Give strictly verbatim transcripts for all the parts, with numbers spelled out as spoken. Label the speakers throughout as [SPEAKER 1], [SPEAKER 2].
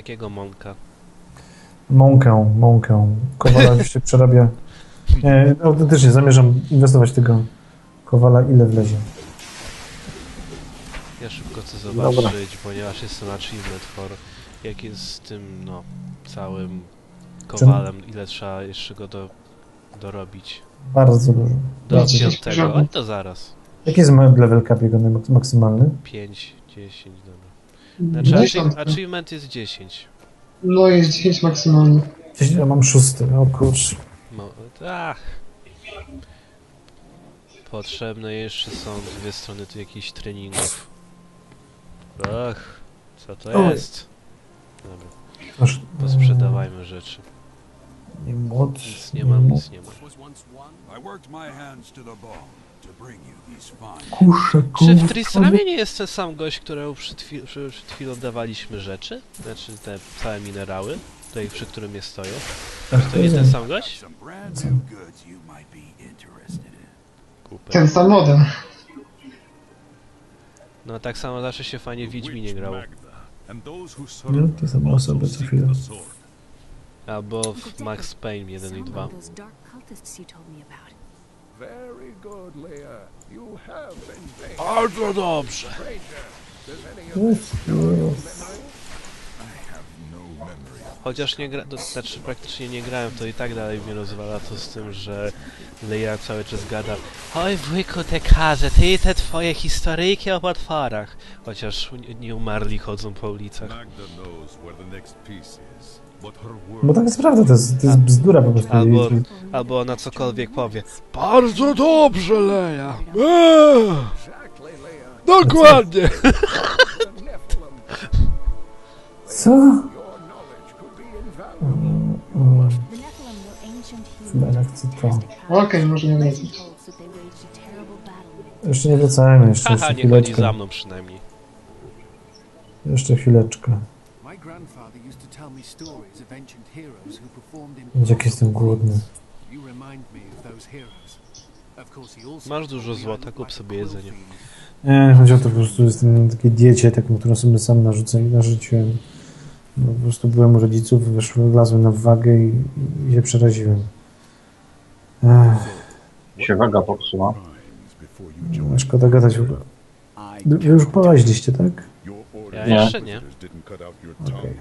[SPEAKER 1] jakiego Monka?
[SPEAKER 2] Mąkę, mąkę. Kowala już się przerabia. Nie, autentycznie zamierzam inwestować w tego kowala, ile wlezie.
[SPEAKER 1] Ja szybko chcę zobaczyć,
[SPEAKER 3] Dobra.
[SPEAKER 1] ponieważ jestem achievement for jak jest z tym, no, całym kowalem, ile trzeba jeszcze go do, dorobić.
[SPEAKER 2] Bardzo dużo.
[SPEAKER 1] Do
[SPEAKER 2] Bardzo dużo.
[SPEAKER 1] piątego, ale to zaraz.
[SPEAKER 2] Jaki jest level cap jego mak- maksymalny?
[SPEAKER 1] pięć, dziesięć, dobra. Znaczy,
[SPEAKER 4] dziesięć.
[SPEAKER 1] achi achievement jest dziesięć.
[SPEAKER 4] No jest dziesięć maksymalnie.
[SPEAKER 2] Gdzieś ja mam szósty, o kurczę.
[SPEAKER 1] No, ach. Potrzebne jeszcze są dwie strony tu jakichś treningów. Ach, co to
[SPEAKER 2] Oj.
[SPEAKER 1] jest? Dobra,
[SPEAKER 2] Aż,
[SPEAKER 1] posprzedawajmy rzeczy.
[SPEAKER 2] Nie młot.
[SPEAKER 1] Nic nie mam, nic nie mam.
[SPEAKER 2] Kusze,
[SPEAKER 1] Czy w
[SPEAKER 2] kusze.
[SPEAKER 1] Tristramie nie jest ten sam gość, któremu przed, chwil przed chwilą dawaliśmy rzeczy? Znaczy te całe minerały, tutaj przy którym je stoją? To nie ten sam gość? Kupę.
[SPEAKER 4] Ten sam model.
[SPEAKER 1] No tak samo zawsze się fajnie w Wiedźminie grało.
[SPEAKER 2] Nie, te same osoby co chwilę.
[SPEAKER 1] Albo w Max Payne jeden i dwa. Bardzo dobrze! Chociaż nie gra, to znaczy praktycznie nie grałem, to i tak dalej mnie rozwala to z tym, że Leia cały czas gada: oj wujku Tekarze, ty i te twoje historyjki o potworach. Chociaż nie- nie umarli chodzą po ulicach.
[SPEAKER 2] Bo tak jest prawda, to jest, to jest bzdura po prostu.
[SPEAKER 1] Albo, albo ona cokolwiek powie: bardzo dobrze, Leia! Eee, dokładnie!
[SPEAKER 2] Co? Chyba jednak chcę to.
[SPEAKER 4] Okej, może nie wiedzieć.
[SPEAKER 2] Jeszcze nie wracajmy, jeszcze,
[SPEAKER 1] Haha,
[SPEAKER 2] jeszcze
[SPEAKER 1] nie chodzi za
[SPEAKER 2] chwileczkę.
[SPEAKER 1] mną przynajmniej.
[SPEAKER 2] Jeszcze chwileczkę. Jak jestem głodny.
[SPEAKER 1] Masz dużo złota, kup sobie jedzenie.
[SPEAKER 2] Nie, chodzi o to, po prostu jestem na takiej diecie, taką, którą sobie sam narzucę, narzuciłem. No, po prostu byłem u rodziców, weszłem, wlazłem na wagę i, i się przeraziłem. Ech,
[SPEAKER 3] Się waga popsuła.
[SPEAKER 2] no, szkoda gadać w ogóle. Wy już połaźliście, tak?
[SPEAKER 1] Ja
[SPEAKER 3] Nie.
[SPEAKER 1] jeszcze nie.
[SPEAKER 2] Okej.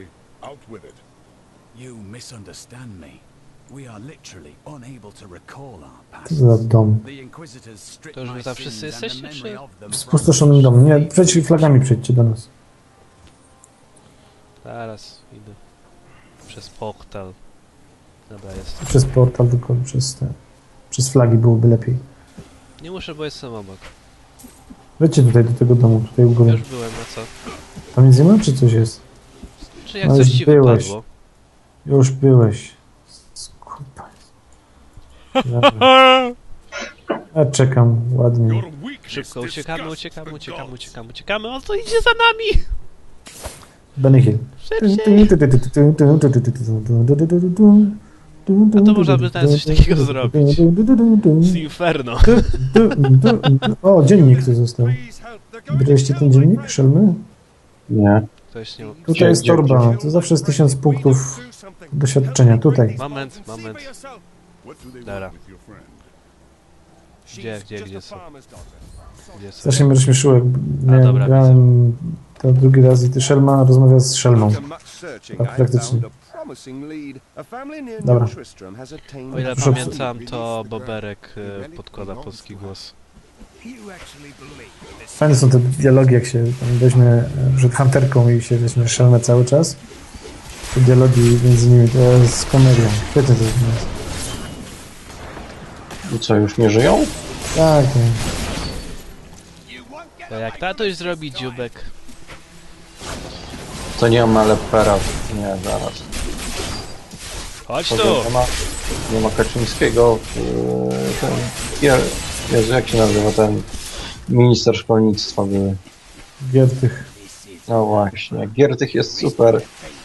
[SPEAKER 5] You misunderstand me. We are literally unable to recall our past.
[SPEAKER 2] Co to za dom?
[SPEAKER 5] The Inquisitors stripped
[SPEAKER 1] To już wy
[SPEAKER 5] my
[SPEAKER 1] tam wszyscy
[SPEAKER 5] sins and the
[SPEAKER 1] jesteście,
[SPEAKER 5] memory
[SPEAKER 1] czy-
[SPEAKER 5] of them
[SPEAKER 2] W spustoszonym
[SPEAKER 5] from
[SPEAKER 2] domu. Nie, przejdź flagami, przejdźcie do nas.
[SPEAKER 1] Zaraz idę. Przez portal. Dobra, jest.
[SPEAKER 2] Przez portal, tylko przez te... Przez flagi byłoby lepiej.
[SPEAKER 1] Nie muszę, bo jestem obok.
[SPEAKER 2] Wejdźcie tutaj do tego domu, tutaj u
[SPEAKER 1] Ja
[SPEAKER 2] góry.
[SPEAKER 1] już byłem, no co?
[SPEAKER 2] Tam nic nie ma, czy coś jest?
[SPEAKER 1] Czy jak
[SPEAKER 2] No
[SPEAKER 1] coś
[SPEAKER 2] już
[SPEAKER 1] ci
[SPEAKER 2] byłeś.
[SPEAKER 1] wypadło?
[SPEAKER 2] Już byłeś. Skupa. Dobra. Ja czekam, ładnie.
[SPEAKER 1] Szybko, uciekamy, uciekamy, uciekamy, uciekamy, uciekamy. On to idzie za nami!
[SPEAKER 2] Benny Hill.
[SPEAKER 1] Szybciej! A to można by nawet coś takiego zrobić. Z Inferno.
[SPEAKER 2] O, dziennik tu został. Braliście ten dziennik, szelmy?
[SPEAKER 3] Nie.
[SPEAKER 1] Ktoś nie...
[SPEAKER 2] Tutaj jest
[SPEAKER 3] Gdzie,
[SPEAKER 2] torba. To zawsze jest tysiąc punktów doświadczenia. Tutaj.
[SPEAKER 1] Moment, moment. Dobra. Gdzie, gdzie, gdzie są? Gdzie są?
[SPEAKER 2] Strasznie mnie rozśmieszyło, jak miałem,
[SPEAKER 1] dobra,
[SPEAKER 2] grałem to drugi raz i ty Szelma rozmawia z Szelmą. Tak, praktycznie. Dobra.
[SPEAKER 1] O ile
[SPEAKER 2] Proszę-
[SPEAKER 1] pamiętam, to Boberek e, podkłada polski głos.
[SPEAKER 2] Fajne są te dialogi, jak się tam weźmie e, przed hunterką i się weźmie Szelmę cały czas. Te dialogi między nimi to jest komedia. Świetnie to jest.
[SPEAKER 3] I co, już nie żyją?
[SPEAKER 2] Tak, nie.
[SPEAKER 1] To jak tatuś zrobi dziubek?
[SPEAKER 3] To nie ma lepera. Nie, zaraz.
[SPEAKER 1] Chodź
[SPEAKER 3] To
[SPEAKER 1] tu!
[SPEAKER 3] nie ma, nie ma Kaczyńskiego. Yy, ten, Je- Jezu, jak się nazywa ten minister szkolnictwa były?
[SPEAKER 2] Giertych.
[SPEAKER 3] No właśnie, Giertych jest super.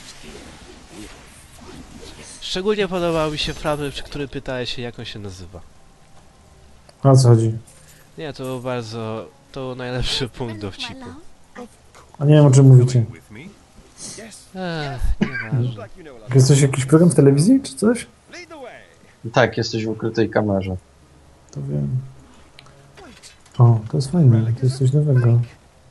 [SPEAKER 1] Szczególnie podobał mi się fragment, przy którym pytałeś się, jak on się nazywa.
[SPEAKER 2] O co chodzi?
[SPEAKER 1] Nie, to był bardzo... to był najlepszy punkt dowcipu.
[SPEAKER 2] A nie wiem, o czym mówicie.
[SPEAKER 1] Ech, nieważne.
[SPEAKER 2] Jest coś, jakiś program w telewizji, czy coś?
[SPEAKER 3] Tak, jesteś w ukrytej kamerze.
[SPEAKER 2] To wiem. O, to jest fajne, to jest coś nowego.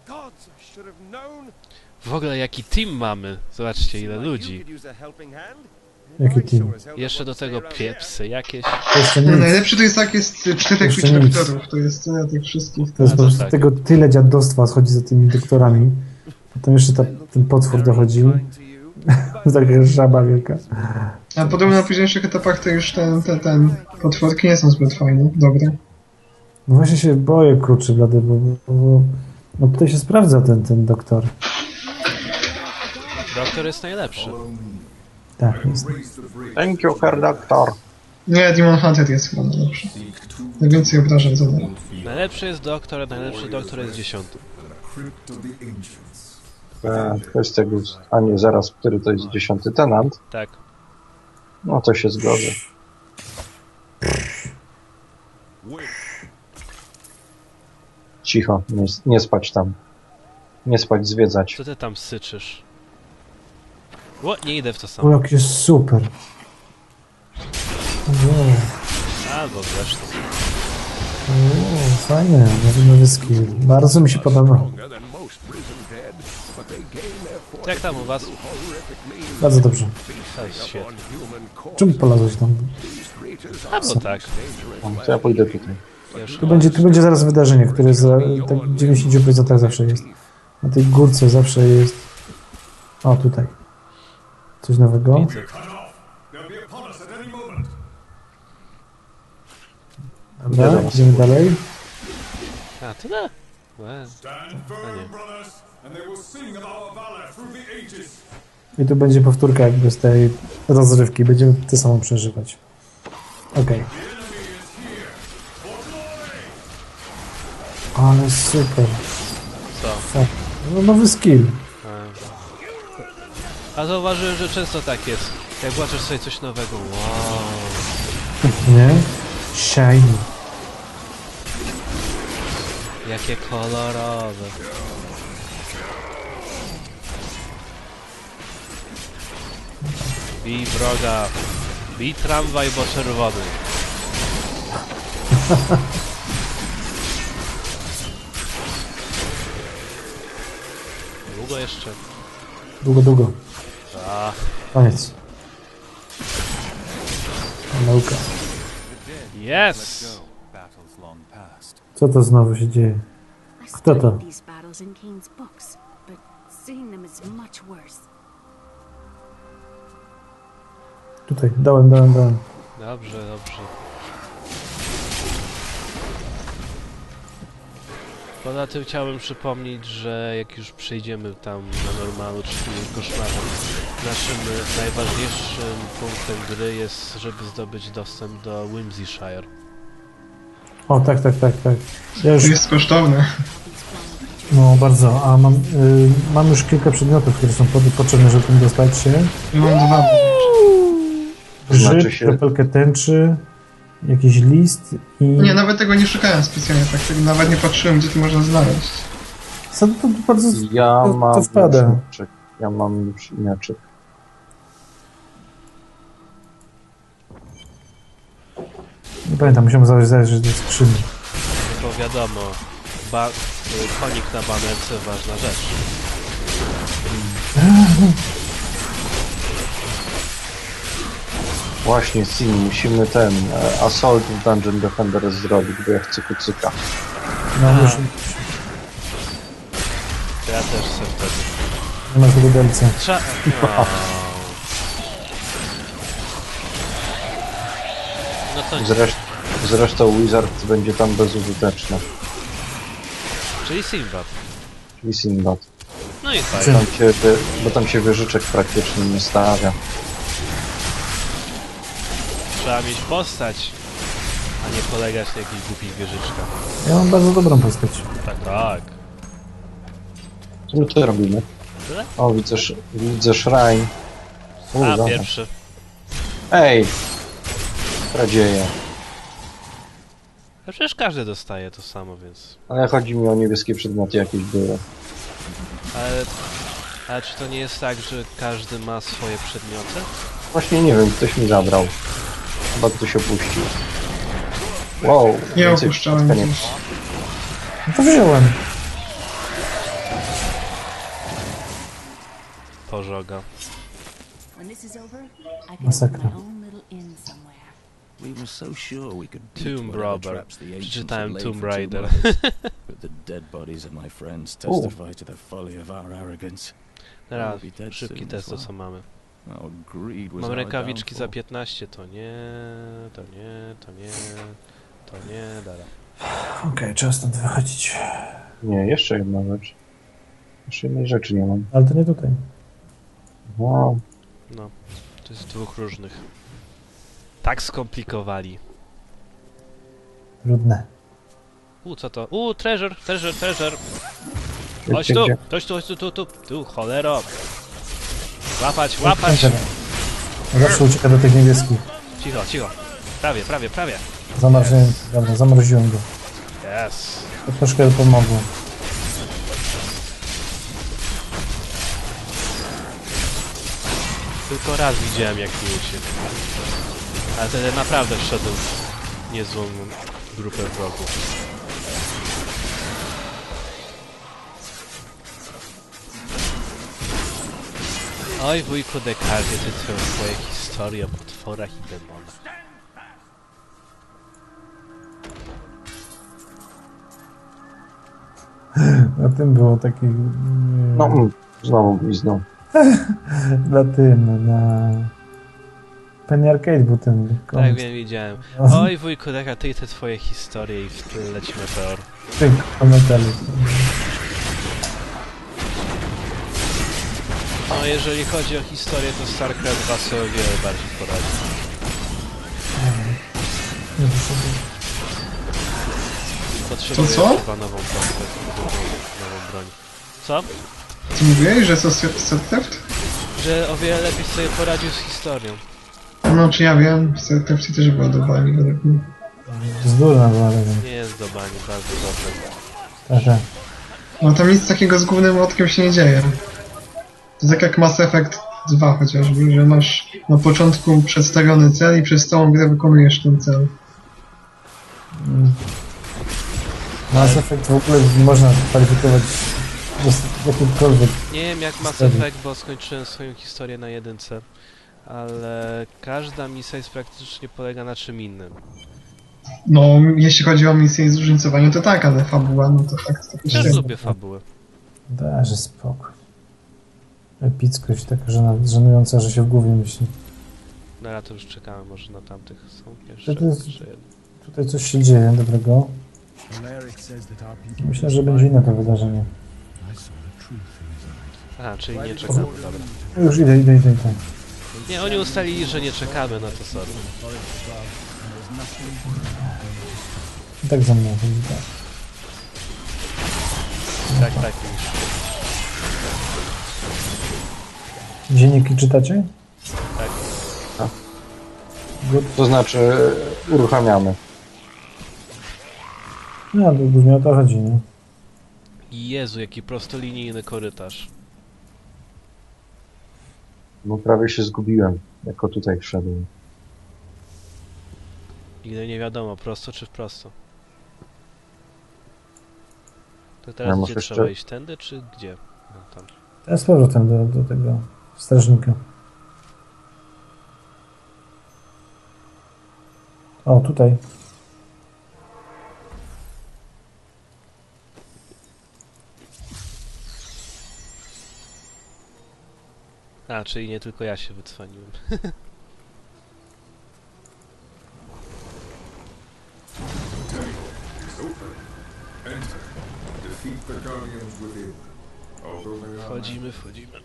[SPEAKER 1] W ogóle jaki team mamy? Zobaczcie ile ludzi.
[SPEAKER 2] Jaki team?
[SPEAKER 1] Jeszcze do tego piepsy jakieś.
[SPEAKER 2] To jeszcze
[SPEAKER 4] No,
[SPEAKER 2] nic.
[SPEAKER 4] najlepszy to jest jak jest czterech
[SPEAKER 2] Jeszcze nic.
[SPEAKER 4] doktorów, to jest cena tych wszystkich.
[SPEAKER 2] To jest
[SPEAKER 1] A,
[SPEAKER 2] po
[SPEAKER 1] to
[SPEAKER 2] prostu
[SPEAKER 1] tak.
[SPEAKER 2] tego tyle dziadostwa schodzi za tymi doktorami. Potem jeszcze ta, ten potwór dochodził. Taka żaba wielka.
[SPEAKER 4] A podobno na późniejszych etapach to już ten, ten, ten potworki nie są zbyt fajne, dobre.
[SPEAKER 2] No właśnie się boję, kurczę, blady, bo, bo, bo no tutaj się sprawdza ten, ten doktor.
[SPEAKER 1] Doktor jest najlepszy.
[SPEAKER 2] Tak, jest.
[SPEAKER 3] Thank you, Herr Doctor.
[SPEAKER 4] Nie, Demon Hunter jest chyba najlepszy. Najwięcej obrażeń zadaje.
[SPEAKER 1] Najlepszy jest doktor, a najlepszy doktor jest dziesiąty.
[SPEAKER 3] E, Kwestia gust. A nie, zaraz, który to jest dziesiąty tenant?
[SPEAKER 1] Tak.
[SPEAKER 3] No to się zgodzę. Cicho, nie, nie spać tam. Nie spać, zwiedzać.
[SPEAKER 1] Co ty tam syczysz? O, nie idę w to
[SPEAKER 2] O,
[SPEAKER 1] samo.
[SPEAKER 2] jak jest super. Wow.
[SPEAKER 1] Albo zresztą.
[SPEAKER 2] O, fajne, nowy, nowy skill. Bardzo mi się podoba.
[SPEAKER 1] Jak tam u was?
[SPEAKER 2] Bardzo dobrze.
[SPEAKER 1] To jest świetnie.
[SPEAKER 2] Czemu polazłeś tam?
[SPEAKER 1] A bo tak.
[SPEAKER 3] O, to ja pójdę tutaj.
[SPEAKER 1] Wiesz,
[SPEAKER 2] Tu będzie, tu będzie zaraz wydarzenie, które za, tak w dziewięćdziesięciu procentach zawsze jest. Na tej górce zawsze jest. O, tutaj. Coś nowego.
[SPEAKER 1] widzę.
[SPEAKER 2] Dobra, idziemy dalej.
[SPEAKER 1] A, tyle? Łe. A nie.
[SPEAKER 2] I tu będzie powtórka jakby z tej rozrywki. Będziemy to samo przeżywać. Okej. Ale super.
[SPEAKER 1] Co?
[SPEAKER 2] Fuck. No, nowy skill.
[SPEAKER 1] A zauważyłem, że często tak jest. Jak włączysz sobie coś nowego. Wow.
[SPEAKER 2] Nie? Shiny.
[SPEAKER 1] Jakie kolorowe. Bij wroga. Bij tramwaj, bo czerwony. Długo jeszcze.
[SPEAKER 2] Długo, długo.
[SPEAKER 1] A,
[SPEAKER 2] Koniec. Nauka.
[SPEAKER 1] yes!
[SPEAKER 5] Battles long past.
[SPEAKER 2] Co to znowu się dzieje?
[SPEAKER 6] I
[SPEAKER 2] Kto to?
[SPEAKER 6] studied these battles in Kane's books, but seeing them is much worse.
[SPEAKER 2] Tutaj, dałem, dałem, dałem.
[SPEAKER 1] Dobrze, dobrze. Poza tym chciałbym przypomnieć, że jak już przejdziemy tam na normalu, czyli koszmarem, naszym e, najważniejszym punktem gry jest, żeby zdobyć dostęp do Whimsyshire.
[SPEAKER 2] O, tak, tak, tak, tak. Ja już,
[SPEAKER 4] To jest kosztowne.
[SPEAKER 2] no bardzo, a mam, y, mam już kilka przedmiotów, które są pod, potrzebne, żeby tym dostać się.
[SPEAKER 4] Ja mam dwa.
[SPEAKER 2] Grzyb,
[SPEAKER 3] Znaczy się-
[SPEAKER 2] kropelkę tęczy, jakiś list i...
[SPEAKER 4] Nie, nawet tego nie szukałem specjalnie, tak tego nawet nie patrzyłem, gdzie to można znaleźć.
[SPEAKER 2] Co, to bardzo...
[SPEAKER 3] Ja
[SPEAKER 2] to,
[SPEAKER 3] mam
[SPEAKER 2] to wpada.
[SPEAKER 3] mieczyk. Ja mam mieczyk.
[SPEAKER 2] Nie pamiętam, musiałem zajrzeć, zajrzeć do skrzyni.
[SPEAKER 1] No bo wiadomo, ba y, konik na banerce ważna rzecz.
[SPEAKER 3] Właśnie, Sim, musimy ten e, Assault w Dungeon Defender zrobić, bo ja chcę kucyka.
[SPEAKER 2] No,
[SPEAKER 1] A.
[SPEAKER 2] już
[SPEAKER 1] To ja też chcę wtedy.
[SPEAKER 2] nie masz tego delca.
[SPEAKER 1] Trza... O. No to nic.
[SPEAKER 3] Zresztą, zresztą Wizard będzie tam bezużyteczny.
[SPEAKER 1] Czyli Sinbad.
[SPEAKER 3] Czyli Sinbad.
[SPEAKER 1] No i fajnie.
[SPEAKER 2] Czym?
[SPEAKER 3] Tam się, wy- bo tam się wieżyczek praktycznie nie stawia.
[SPEAKER 1] Trzeba mieć postać, a nie polegać na jakichś głupich wieżyczkach.
[SPEAKER 2] Ja mam bardzo dobrą postać.
[SPEAKER 1] Tak, tak.
[SPEAKER 3] Co my tu robimy?
[SPEAKER 1] Tyle?
[SPEAKER 3] O, widzę, sz- widzę shrine. U,
[SPEAKER 1] A,
[SPEAKER 3] dobra.
[SPEAKER 1] pierwszy.
[SPEAKER 3] Ej! Kradzieje.
[SPEAKER 1] No przecież każdy dostaje to samo, więc...
[SPEAKER 3] Ale chodzi mi o niebieskie przedmioty jakieś były.
[SPEAKER 1] Ale A czy to nie jest tak, że każdy ma swoje przedmioty?
[SPEAKER 3] Właśnie nie wiem, ktoś mi zabrał. Chyba ktoś opuścił. Wow,
[SPEAKER 4] Nie
[SPEAKER 3] więcej
[SPEAKER 4] opuszczałem
[SPEAKER 3] przypadka nie
[SPEAKER 4] gdzieś.
[SPEAKER 2] No to wziąłem.
[SPEAKER 1] Pożoga.
[SPEAKER 6] When this is over, I can
[SPEAKER 2] Masakra.
[SPEAKER 6] open my own little inn somewhere.
[SPEAKER 5] We were so sure we could beat
[SPEAKER 1] Tomb
[SPEAKER 5] whatever
[SPEAKER 1] Robber.
[SPEAKER 5] traps the ancients
[SPEAKER 1] Przeczytałem
[SPEAKER 5] had laid
[SPEAKER 1] Tomb
[SPEAKER 5] for two
[SPEAKER 1] Raider.
[SPEAKER 5] months. But the dead bodies of my friends testify to the folly of our arrogance.
[SPEAKER 1] Teraz,
[SPEAKER 5] We'll be dead
[SPEAKER 1] szybki
[SPEAKER 5] soon
[SPEAKER 1] test,
[SPEAKER 5] as
[SPEAKER 1] to co mamy.
[SPEAKER 5] Our greed was
[SPEAKER 1] Mam
[SPEAKER 5] our
[SPEAKER 1] rękawiczki za
[SPEAKER 5] downfall.
[SPEAKER 1] piętnaście, to nie, to nie, to nie, to nie, dara.
[SPEAKER 2] Okej, trzeba stąd wychodzić.
[SPEAKER 3] Nie, jeszcze jedna rzecz. Jeszcze jednej rzeczy nie mam.
[SPEAKER 2] Ale to nie tutaj.
[SPEAKER 3] Wow.
[SPEAKER 1] No, to jest dwóch różnych. Tak skomplikowali.
[SPEAKER 2] Trudne.
[SPEAKER 1] U, co to? U, treasure, treasure, treasure.
[SPEAKER 3] Gdzie,
[SPEAKER 1] Chodź tu,
[SPEAKER 3] gdzie?
[SPEAKER 1] chodź tu, chodź tu, tu, tu, tu, cholero. Łapać, łapać.
[SPEAKER 2] Zawsze ucieka do tych niebieskich.
[SPEAKER 1] Cicho, cicho. Prawie, prawie, prawie.
[SPEAKER 2] Zamarzyłem, dobra, zamroziłem go.
[SPEAKER 1] Yes.
[SPEAKER 2] To troszkę pomogło.
[SPEAKER 1] Tylko raz widziałem jak mi uciekł. Ale wtedy naprawdę wszedłem w niezłą grupę wrogów. Oj wujku Descartes, ty twoje twoje historie o potworach i demonach.
[SPEAKER 2] Na tym było taki... mm,
[SPEAKER 3] No, mm, znowu blizną.
[SPEAKER 2] Na tym, na... Penny Arcade był ten
[SPEAKER 1] Tak
[SPEAKER 2] komiks.
[SPEAKER 1] wiem, widziałem.
[SPEAKER 2] No.
[SPEAKER 1] Oj wujku Descartes, ty i te twoje historie i w tle leci meteor.
[SPEAKER 2] Tych komentarzy.
[SPEAKER 1] No jeżeli chodzi o historię, to StarCraft dwa sobie o wiele bardziej poradzi.
[SPEAKER 2] Nie wyszedł.
[SPEAKER 1] Potrzebuję
[SPEAKER 4] To co?
[SPEAKER 1] chyba nową broń, nową, nową broń. Co?
[SPEAKER 4] Co mówiłeś, że co StarCraft?
[SPEAKER 1] Że o wiele lepiej sobie poradził z historią.
[SPEAKER 4] No, czy ja wiem, w StarCraftie też była do bani według mnie.
[SPEAKER 2] Bzdurna była, ale wiem.
[SPEAKER 1] Nie jest do bani, bardzo dobrze.
[SPEAKER 2] Także.
[SPEAKER 4] No tam nic takiego z głównym młotkiem się nie dzieje. To tak jak Mass Effect dwa chociażby, że masz na początku przedstawiony cel i przez całą grę wykonujesz ten cel.
[SPEAKER 2] Mm. Mass Effect w ogóle nie można kwalifikować do jakimkolwiek.
[SPEAKER 1] Nie wiem jak Mass
[SPEAKER 2] Historii.
[SPEAKER 1] Effect, bo skończyłem swoją historię na jedynce. Ale każda misja jest praktycznie polega na czym innym.
[SPEAKER 4] No, jeśli chodzi o misję i zróżnicowanie, to tak, ale fabuła, no to tak, to
[SPEAKER 1] Też
[SPEAKER 4] średnio.
[SPEAKER 1] lubię fabułę.
[SPEAKER 2] Dajże spokój. Epickość taka żena, żenująca, że się w głowie myśli.
[SPEAKER 1] No ja to już czekałem, może na tamtych są jeszcze,
[SPEAKER 2] To jest-
[SPEAKER 1] jeszcze jedne.
[SPEAKER 2] Tutaj coś się dzieje dobrego.
[SPEAKER 5] Alaric says that our people
[SPEAKER 2] Myślę, że będzie inne to wydarzenie.
[SPEAKER 5] I saw the truth in his eyes.
[SPEAKER 1] Aha, czyli nie czekamy, dobra.
[SPEAKER 2] No już idę, idę, idę, idę.
[SPEAKER 1] Nie, oni ustalili, że nie czekamy, no to sorry.
[SPEAKER 2] I tak za mną chodzi, tak.
[SPEAKER 1] Tak, tak, już.
[SPEAKER 2] Dzienniki czytacie?
[SPEAKER 1] Tak.
[SPEAKER 2] Good.
[SPEAKER 3] To znaczy, uruchamiamy.
[SPEAKER 2] No, to głównie o to chodzi, nie?
[SPEAKER 1] Jezu, jaki prostolinijny korytarz.
[SPEAKER 3] No prawie się zgubiłem, jako tutaj wszedłem.
[SPEAKER 1] Nigdy nie wiadomo, prosto czy wprosto. To
[SPEAKER 3] Ja
[SPEAKER 1] teraz
[SPEAKER 3] muszę
[SPEAKER 1] gdzie
[SPEAKER 3] jeszcze-
[SPEAKER 1] trzeba iść? Tędy czy gdzie? No, tam.
[SPEAKER 2] Teraz z powrotem do, do tego strażnika. O, tutaj.
[SPEAKER 1] A, czyli nie tylko ja się wycwaniłem.
[SPEAKER 7] Defeat the guardians within. Although they are
[SPEAKER 1] Wchodzimy, wchodzimy.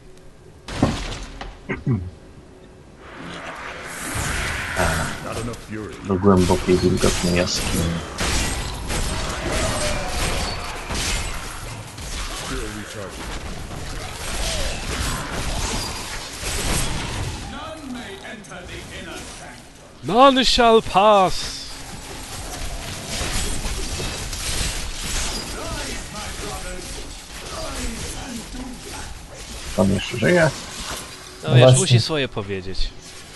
[SPEAKER 3] Do głębokiej, wilgotnej jaskini.
[SPEAKER 1] None shall pass!
[SPEAKER 3] Pan jeszcze żyje?
[SPEAKER 1] No wiesz,
[SPEAKER 2] właśnie.
[SPEAKER 1] musi swoje powiedzieć.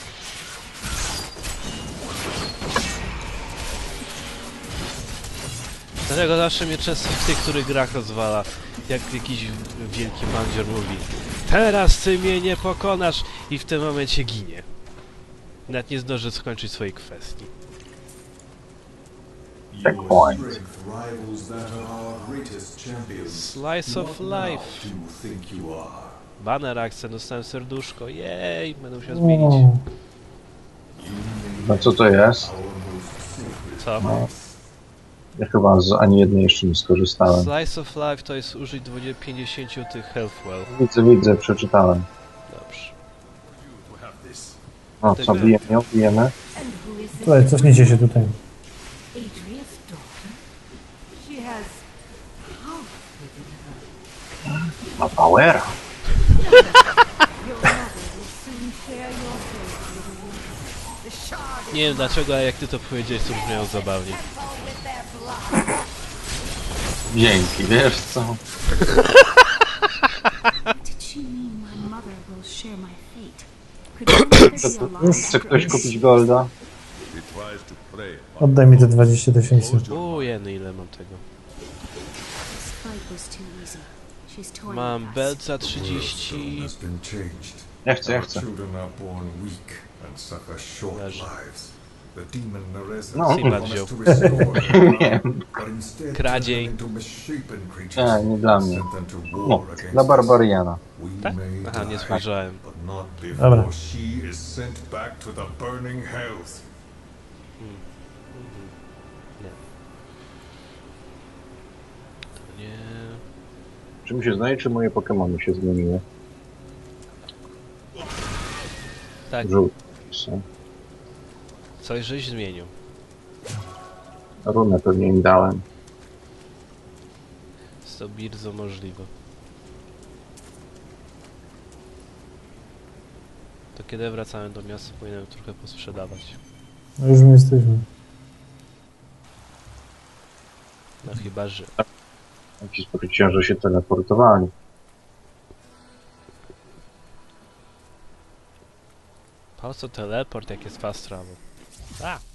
[SPEAKER 1] Dlatego zawsze mnie często w tych, których grach rozwala, jak jakiś wielki bandzior mówi: teraz ty mnie nie pokonasz, i w tym momencie ginie. Nawet nie zdąży skończyć swojej kwestii.
[SPEAKER 3] Checkpoint.
[SPEAKER 7] Your strength rivals that of our greatest champions.
[SPEAKER 1] Slice of
[SPEAKER 7] What now
[SPEAKER 1] life.
[SPEAKER 7] do you think you are?
[SPEAKER 1] Banner akcent, dostałem serduszko, jej, będę musiał zmienić.
[SPEAKER 2] O,
[SPEAKER 3] No co to jest?
[SPEAKER 7] Our most sacred
[SPEAKER 1] Co?
[SPEAKER 3] No. Ja chyba z ani jednej jeszcze nie skorzystałem.
[SPEAKER 1] Slice of life to jest użyć dwadzieścia pięćdziesiąt tych health well.
[SPEAKER 3] Widzę, widzę, przeczytałem.
[SPEAKER 1] Dobrze.
[SPEAKER 3] No co, bijemy ją, bijemy?
[SPEAKER 6] And who is this?
[SPEAKER 2] tutaj, cofnijcie się tutaj.
[SPEAKER 6] Adria's daughter? She has power within her.
[SPEAKER 3] Ma powera.
[SPEAKER 6] Your mother will soon share your fate, little one. The shard
[SPEAKER 1] Nie wiem dlaczego, ale jak ty to powiedziałeś, to brzmiało zabawnie.
[SPEAKER 6] with their blood.
[SPEAKER 3] Dzięki, wiesz co?
[SPEAKER 6] Did she mean my mother will share my fate? Could your mother be alive?
[SPEAKER 3] Chce ktoś kupić golda?
[SPEAKER 2] Oddaj mi te dwadzieścia tysięcy.
[SPEAKER 1] Uuu, jeny, ile mam tego.
[SPEAKER 6] This fight was too easy. She's toying
[SPEAKER 1] Mam
[SPEAKER 6] with us.
[SPEAKER 1] belt za
[SPEAKER 7] The
[SPEAKER 1] trzydzieści...
[SPEAKER 7] stone has been changed.
[SPEAKER 3] Ja chcę, ja
[SPEAKER 7] Our
[SPEAKER 3] chcę.
[SPEAKER 7] children are born weak and suffer short
[SPEAKER 1] Leży.
[SPEAKER 7] lives. The demon Nereza
[SPEAKER 3] No.
[SPEAKER 7] promised to restore their
[SPEAKER 3] Nie.
[SPEAKER 7] power, but instead
[SPEAKER 1] Kradziej.
[SPEAKER 7] turned them into misshapen creatures.
[SPEAKER 3] Nie, nie dla mnie.
[SPEAKER 7] Sent them to war
[SPEAKER 3] No,
[SPEAKER 7] against
[SPEAKER 3] dla
[SPEAKER 7] us.
[SPEAKER 3] Barbariana.
[SPEAKER 7] We
[SPEAKER 1] Tak?
[SPEAKER 7] may
[SPEAKER 1] Aha, nie
[SPEAKER 7] die,
[SPEAKER 1] spojrzałem.
[SPEAKER 7] but not
[SPEAKER 2] Dobra.
[SPEAKER 7] before she is sent back to the burning hells.
[SPEAKER 1] Nie...
[SPEAKER 3] Czy mi się zdaje, czy moje Pokemony się zmieniły?
[SPEAKER 1] Tak,
[SPEAKER 3] Żółte są.
[SPEAKER 1] coś żeś zmienił.
[SPEAKER 3] Runę pewnie im dałem.
[SPEAKER 1] Jest to bardzo możliwe. To kiedy wracamy do miasta, powinienem trochę posprzedawać.
[SPEAKER 2] No już my jesteśmy.
[SPEAKER 1] No chyba, że...
[SPEAKER 3] Jakiś spokojnie, że się teleportowali.
[SPEAKER 1] Po co teleport, jak jest fast travel? A!